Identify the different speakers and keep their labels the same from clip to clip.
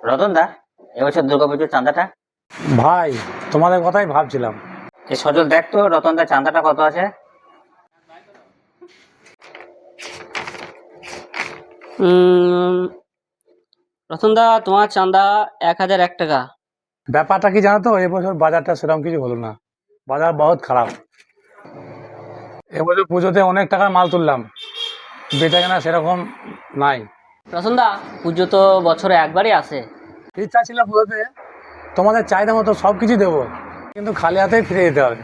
Speaker 1: রতন দা, এবছর দুর্গাপুজোর চাঁদাটা।
Speaker 2: ভাই, তোমাদের কথাই ভাবছিলাম।
Speaker 1: এই সজল দেখ তো রতন দা চাঁদাটা কত আছে।
Speaker 3: রতনদা, তোমার চাঁদা 1001 টাকা।
Speaker 2: ব্যাপারটা কি জানো তো, এবছর বাজারটা সেরকম কিছু হলো না। বাজার বহুত খারাপ। এবছর পুজোতে অনেক টাকার মাল তুললাম, বেচা কেনা সেরকম নাই।
Speaker 3: রতনদা, পুজো তো বছরে একবারই আসে।
Speaker 2: ইচ্ছা ছিল পুজোতে তোমাদের চাহিদা মতো সব কিছু দেবো, কিন্তু খালি হাতেই ফিরে যেতে হবে।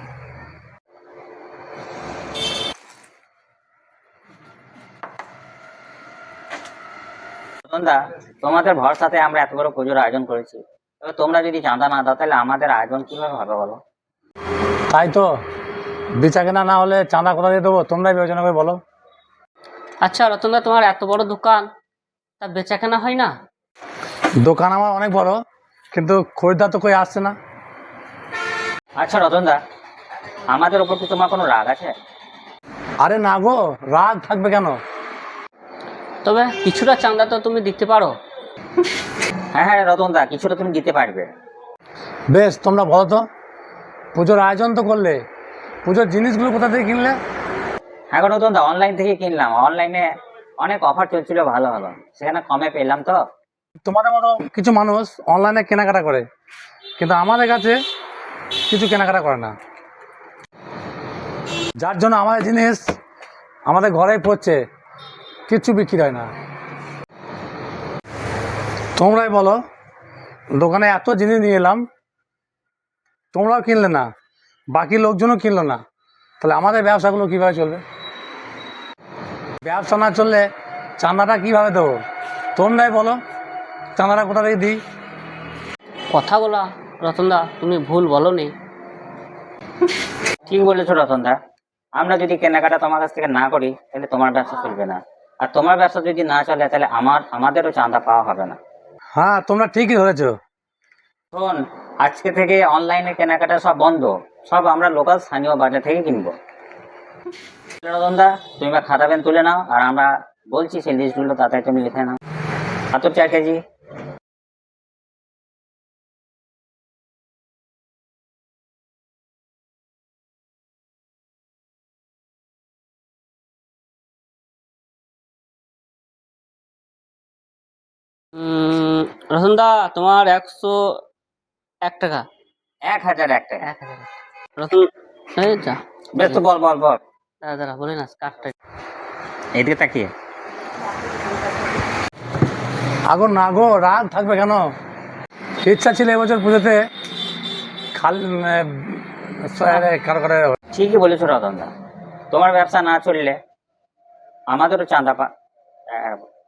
Speaker 1: রতন দা, তোমাদের ভরসাতে আমরা এত বড় পুজোর আয়োজন করেছি, এবার তোমরা যদি চাঁদা না দাও তাহলে আমাদের আয়োজন কিভাবে হবে বলো।
Speaker 2: তাই তো, বেচা কেনা না হলে চাঁদা কোথা দিয়ে দেবো, তোমরাই বিবেচনা করে বলো।
Speaker 3: আচ্ছা রতনদা, তোমার এত বড় দোকান, তা বেচাকেনা হয় না?
Speaker 2: দোকান আমার অনেক বড়, কিন্তু খরিদ্দার তো কই আসছে না।
Speaker 1: আচ্ছা রতন দা, আমাদের উপর কি তোমার কোনো রাগ আছে?
Speaker 2: আরে না গো, রাগ থাকবে কেন?
Speaker 3: তবে কিছুটা চাঁদা তো তুমি দিতে পারো।
Speaker 1: হ্যাঁ হ্যাঁ রতন দা, কিছুটা তুমি দিতে পারবে।
Speaker 2: বেশ, তোমরা বলো তো, পুজোর আয়োজন তো করলে, পুজোর জিনিসগুলো কোথা থেকে কিনলে?
Speaker 1: হ্যাঁ গো রতন দা, অনলাইন থেকে কিনলাম। অনলাইনে অনেক অফার চলছিল, ভালো ভালো, সেখানে কমে পেলাম তো।
Speaker 2: তোমাদের মতো কিছু মানুষ অনলাইনে কেনাকাটা করে, কিন্তু আমাদের কাছে কিছু কেনাকাটা করে না, যার জন্য আমাদের জিনিস আমাদের ঘরেই পড়ছে, কিচ্ছু বিক্রি হয় না। তোমরাই বলো, দোকানে এত জিনিস নিয়ে এলাম, তোমরাও কিনলে না, বাকি লোকজনও কিনলো না, তাহলে আমাদের ব্যবসাগুলো কীভাবে চলবে? ব্যবসা না চললে চাঁদাটা কীভাবে দেবো? তোমরাই বলো, চাঁদাটা কোথা থেকে দিই?
Speaker 3: কথা বলা রতনদা, তুমি ভুল বলনি।
Speaker 1: ঠিক বলেছো রতন দা, আমরা যদি কেনাকাটা তোমার কাছ থেকে না করি তাহলে তোমার ব্যবসা চলবে না, আর তোমার ব্যবসা যদি না চলে তাহলে আমাদেরও চাঁদা পাওয়া হবে না।
Speaker 2: হ্যাঁ, তোমরা ঠিকই ধরেছো।
Speaker 1: শোন, আজকে থেকে অনলাইনে কেনাকাটা সব বন্ধ, সব আমরা লোকাল স্থানীয় বাজার থেকে কিনবো। রতন দা, তুমি বা খাতা পেন তুলে নাও, আর আমরা বলছি সেই লিস্টগুলো তাতে তুমি লিখে নাও। আতর 4 কেজি,
Speaker 3: রতনদা, তোমার 101 টাকা।
Speaker 1: 1001 টাকা।
Speaker 3: 1000। রতন, এই যা।
Speaker 1: বেশ তো, বল বল বল।
Speaker 3: দাঁড়া দাঁড়া, বলে না কার্ডটা।
Speaker 1: এইদিকে তাকিয়ে।
Speaker 2: আগো না গো, রাগ থাকবে কেন? ইচ্ছা ছিল এবছর পুজোতে খালি কারো কারো।
Speaker 1: ঠিকই বলেছো রতন দা, তোমার ব্যবসা না চললে আমাদেরও চাঁদা